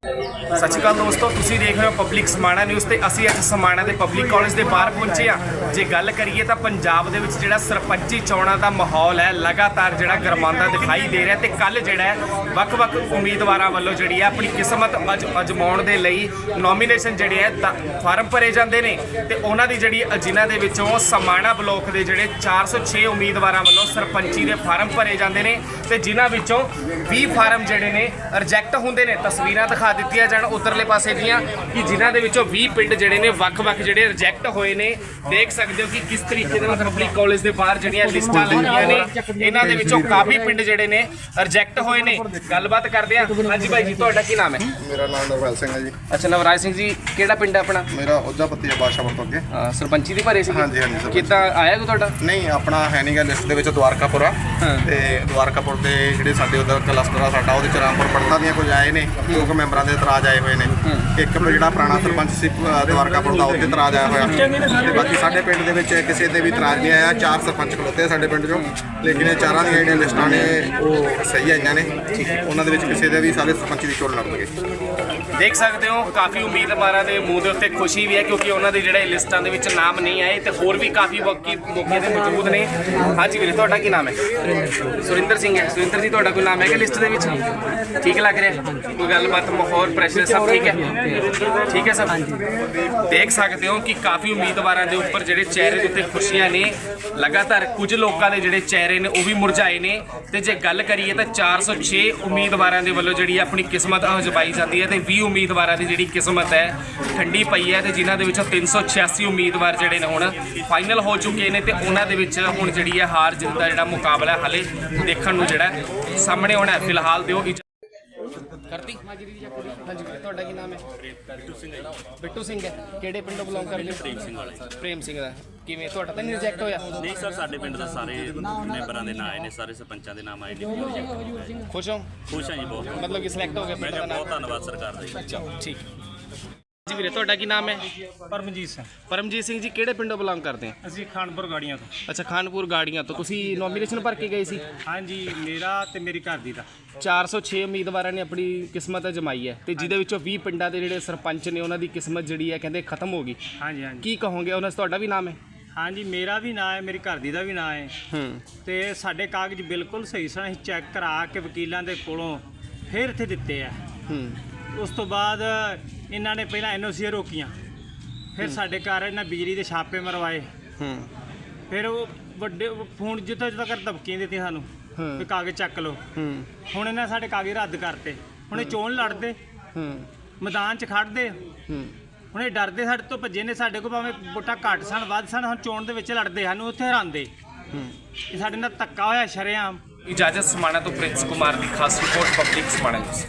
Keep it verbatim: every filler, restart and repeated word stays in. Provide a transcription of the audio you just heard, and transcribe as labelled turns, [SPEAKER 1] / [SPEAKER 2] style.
[SPEAKER 1] सत श्री अकाल दोस्तों, तुसीं देख रहे हो पब्लिक समाणा न्यूज़ ते असीं अज समाणा दे पब्लिक कॉलेज के बाहर पहुंचे आ। जे गल करिए तो पंजाब दे विच जिहड़ा सरपंची चोणां दा माहौल है लगातार जिहड़ा गरमांदा दिखाई दे रहा है। तो कल जिहड़ा है वख-वख उम्मीदवारां वल्लों जिहड़ी है अपनी किस्मत अज अजमाउण दे लई नॉमीनेशन जिहड़े है फार्म भरे जांदे ने ते उहनां दी जिहड़ी जिन्हां दे विचों समाणा ब्लॉक दे जिहड़े चार सौ छे उम्मीदवारां वल्लों सरपंची दे फार्म भरे जांदे ने ते जिन्हां विचों बीस फार्म जिहड़े ने रिजैक्ट हुंदे ने। तस्वीरां दिखा दित्तियां जाण उतरले पासे दियां कि जिन्हां दे विचों बीस पिंड जिहड़े ने वख-वख जिहड़े रिजैक्ट होए ने। देख सकदे हो कि किस तरीके दे नाल पब्लिक कॉलेज दे बाहर जिहड़ियां लिस्टां लगीਆਂ ने, इन्हां दे विचों काफ़ी पिंड जिहड़े ने रिजैक्ट होए ने। गलबात करदे आ। हाँ जी भाई जी, तुहाडा की नाम है?
[SPEAKER 2] मेरा नाम नवराज सिंह है जी।
[SPEAKER 1] अच्छा नवराज सिंह जी, किहड़ा पिंड है अपना?
[SPEAKER 2] मेरा उज्जा पत्ती है बादशाहपुर तो अगे।
[SPEAKER 1] हाँ, सरपंची दी भरे सी?
[SPEAKER 2] हाँ जी हाँ जी।
[SPEAKER 1] किद्दां आया कोई तुहाडा?
[SPEAKER 2] नहीं, अपना है नहीं गा लिस्ट ਦੇ ਵਿੱਚ द्वारकापुर आ ਤੇ द्वारकापुर ਦੇ ਜਿਹੜੇ ਸਾਡੇ ਉਧਰ ਕਲਸਟਰ ਆ ਸਾਡਾ ਉਹਦੇ ਚ ਰਾਮਪੁਰ ਪੜਤਾ ਦੀਆਂ ਕੁਝ ਆਏ ਨੇ, ਲੋਕ ਮੈਂਬਰਾਂ ਦੇ ਇਤਰਾਜ਼ ਆਏ ਹੋਏ ਨੇ। ਇੱਕ ਜਿਹੜਾ ਪੁਰਾਣਾ ਸਰਪੰਚ ਸੀ द्वारकापुर ਦਾ ਉਹਦੇ ਇਤਰਾਜ਼ ਆਇਆ ਹੋਇਆ ਤੇ ਬਾਕੀ ਸਾਡੇ ਪਿੰਡ ਦੇ ਵਿੱਚ ਕਿਸੇ ਦੇ ਵੀ ਇਤਰਾਜ਼ ਨਹੀਂ ਆਇਆ। ਚਾਰ ਸਰਪੰਚ ਖਲੋਤੇ ਆ ਸਾਡੇ ਪਿੰਡ ਚੋਂ, ਲੇਕਿਨ ਇਹ ਚਾਰਾਂ ਦੀਆਂ ਜਿਹੜੀਆਂ ਲਿਸਟਾਂ ਨੇ ਉਹ ਸਹੀ ਆਈਆਂ ਨੇ। ਉਹਨਾਂ ਦੇ ਵਿੱਚ ਕਿਸੇ ਦੇ ਵੀ ਸਾਰੇ ਸਰਪੰਚ ਦੀ ਚੋਣ ਲੜਨਗੇ।
[SPEAKER 1] देख सकते हो काफ़ी उम्मीदवारों के मूँह के उत्ते खुशी भी है क्योंकि उन्होंने जोड़े लिस्टां दे विच नाम नहीं आए तो होर भी काफ़ी बाकी मौके ते मौजूद ने। हाँ जी वीरे, तुहाडा की नाम है? सुरिंदर सिंह है। सुरिंदर जी, तुहाडा कोई नाम है कि लिस्ट दे विच? ठीक लग रहा? कोई गलबात माहौल प्रेशर सब ठीक है? ठीक है सब। देख सकते हो कि काफ़ी उम्मीदवारों के उपर जोड़े चेहरे के उत्ते खुशियां ने। लगातार कुछ लोगों के जोड़े चेहरे ने वो भी मुरझाए ने। तो जे गल करिए तो चार सौ छे उम्मीदवारों के वलों जी अपनी किस्मत अजमाई जाती है तो भी उम्मीदवारों की जी किस्मत है ठंडी पई है। तो जिन्हों के तीन सौ छियासी उम्मीदवार जोड़े ने हुण फाइनल हो चुके हैं तो उन्होंने हुण जी है हार जित का जोड़ा मुकाबला हाले देखने को जोड़ा सामने होना है। फिलहाल दो करती। हाँ जी, तुहाडा की नाम है? बिट्टू सिंह है। बिट्टू सिंह है, किहड़े पिंडों बिलोंग करदे हो?
[SPEAKER 3] प्रेम सिंह वाले।
[SPEAKER 1] प्रेम सिंह दा किवें तुहाडा तां नहीं रिजैक्ट होया?
[SPEAKER 3] नहीं सर, साडे पिंड दा सारे मैंबरां दे नाम आए ने, सारे सरपंचां दे नाम आए ने।
[SPEAKER 1] खुश हो?
[SPEAKER 3] खुश हां जी बहुत।
[SPEAKER 1] मतलब कि सिलेक्ट हो गए
[SPEAKER 3] मैं
[SPEAKER 1] पिंड दा
[SPEAKER 3] बहुत
[SPEAKER 1] नाम?
[SPEAKER 3] धन्नवाद सरकार दा।
[SPEAKER 1] अच्छा ठीक जी। ਵੀਰੇ ਤੁਹਾਡਾ ਕੀ ਨਾਮ ਹੈ?
[SPEAKER 4] ਪਰਮਜੀਤ ਸਿੰਘ।
[SPEAKER 1] ਪਰਮਜੀਤ ਸਿੰਘ ਜੀ, ਕਿਹੜੇ ਪਿੰਡੋਂ ਬਿਲੋਂਗ ਕਰਦੇ ਆ?
[SPEAKER 4] ਅਸੀਂ ਖਾਨਪੁਰ ਗਾੜੀਆਂ ਤੋਂ।
[SPEAKER 1] ਅੱਛਾ, ਖਾਨਪੁਰ ਗਾੜੀਆਂ ਤੋਂ। ਤੁਸੀਂ ਨੋਮੀਨੇਸ਼ਨ ਭਰ ਕੇ ਗਏ ਸੀ?
[SPEAKER 4] ਹਾਂਜੀ, ਮੇਰਾ ਤੇ ਮੇਰੀ ਘਰ ਦੀ ਦਾ
[SPEAKER 1] ਚਾਰ ਸੌ ਛੇ ਉਮੀਦਵਾਰਾਂ ਨੇ ਆਪਣੀ ਕਿਸਮਤ ਅਜਮਾਈ ਹੈ ਤੇ ਜਿਹਦੇ ਵਿੱਚੋਂ ਵੀਹ ਪਿੰਡਾਂ ਦੇ ਜਿਹੜੇ ਸਰਪੰਚ ਨੇ ਉਹਨਾਂ ਦੀ ਕਿਸਮਤ ਜਿਹੜੀ ਹੈ ਕਹਿੰਦੇ ਖਤਮ ਹੋ ਗਈ।
[SPEAKER 4] ਹਾਂਜੀ ਹਾਂਜੀ
[SPEAKER 1] ਕੀ ਕਹੋਗੇ? ਉਹਨਾਂ 'ਚ ਤੁਹਾਡਾ ਵੀ ਨਾਮ ਹੈ?
[SPEAKER 4] ਹਾਂਜੀ, ਮੇਰਾ ਵੀ ਨਾਂ ਹੈ, ਮੇਰੀ ਘਰ ਦੀ ਦਾ ਵੀ ਨਾਂ ਹੈ।
[SPEAKER 1] ਹੂੰ।
[SPEAKER 4] ਤੇ ਸਾਡੇ ਕਾਗਜ਼ ਬਿਲਕੁਲ ਸਹੀ ਸਨ। ਅਸੀਂ ਚੈੱਕ ਕਰਾ ਕੇ ਵਕੀਲਾਂ ਦੇ ਕੋਲੋਂ ਫਿਰ ਇੱਥੇ ਦਿੱਤੇ ਆ।
[SPEAKER 1] ਹੂੰ।
[SPEAKER 4] ਉਸ ਤੋਂ ਬਾਅਦ ਇਹਨਾਂ ਨੇ ਪਹਿਲਾਂ ਐਨ ਓ ਸੀ ਰੋਕੀਆਂ, ਫਿਰ ਸਾਡੇ ਘਰ ਇਹਨਾਂ ਬਿਜਲੀ ਦੇ ਛਾਪੇ ਮਰਵਾਏ।
[SPEAKER 1] ਹੂੰ।
[SPEAKER 4] ਫਿਰ ਉਹ ਵੱਡੇ ਫੋਨ ਜਿੱਥੋਂ ਜਿੱਥੋਂ ਕਰ ਧਮਕੀਆਂ ਦਿੱਤੀਆਂ ਸਾਨੂੰ ਵੀ ਕਾਗਜ਼ ਚੱਕ ਲਓ।
[SPEAKER 1] ਹੂੰ।
[SPEAKER 4] ਹੁਣ ਇਹਨਾਂ ਸਾਡੇ ਕਾਗਜ਼ ਰੱਦ ਕਰਤੇ। ਹੁਣ ਇਹ ਚੋਣ ਲੜਦੇ,
[SPEAKER 1] ਹੂੰ।
[SPEAKER 4] ਮੈਦਾਨ 'ਚ ਖੜਦੇ।
[SPEAKER 1] ਹੂੰ।
[SPEAKER 4] ਹੁਣ ਇਹ ਡਰਦੇ ਸਾਡੇ ਤੋਂ ਭੱਜੇ ਨੇ। ਸਾਡੇ ਕੋਲ ਭਾਵੇਂ ਵੋਟਾਂ ਘੱਟ ਸਨ ਵੱਧ ਸਨ, ਹੁਣ ਚੋਣ ਦੇ ਵਿੱਚ ਲੜਦੇ ਸਾਨੂੰ ਉੱਥੇ ਹਰਾਉਂਦੇ।
[SPEAKER 1] ਹੂੰ।
[SPEAKER 4] ਇਹ ਸਾਡੇ ਨਾਲ ਧੱਕਾ ਹੋਇਆ ਸ਼ਰੇਆਮ।
[SPEAKER 1] इजाजत समाणा तो प्रिंस कुमार की खास रिपोर्ट पब्लिक समाणा न्यूज़।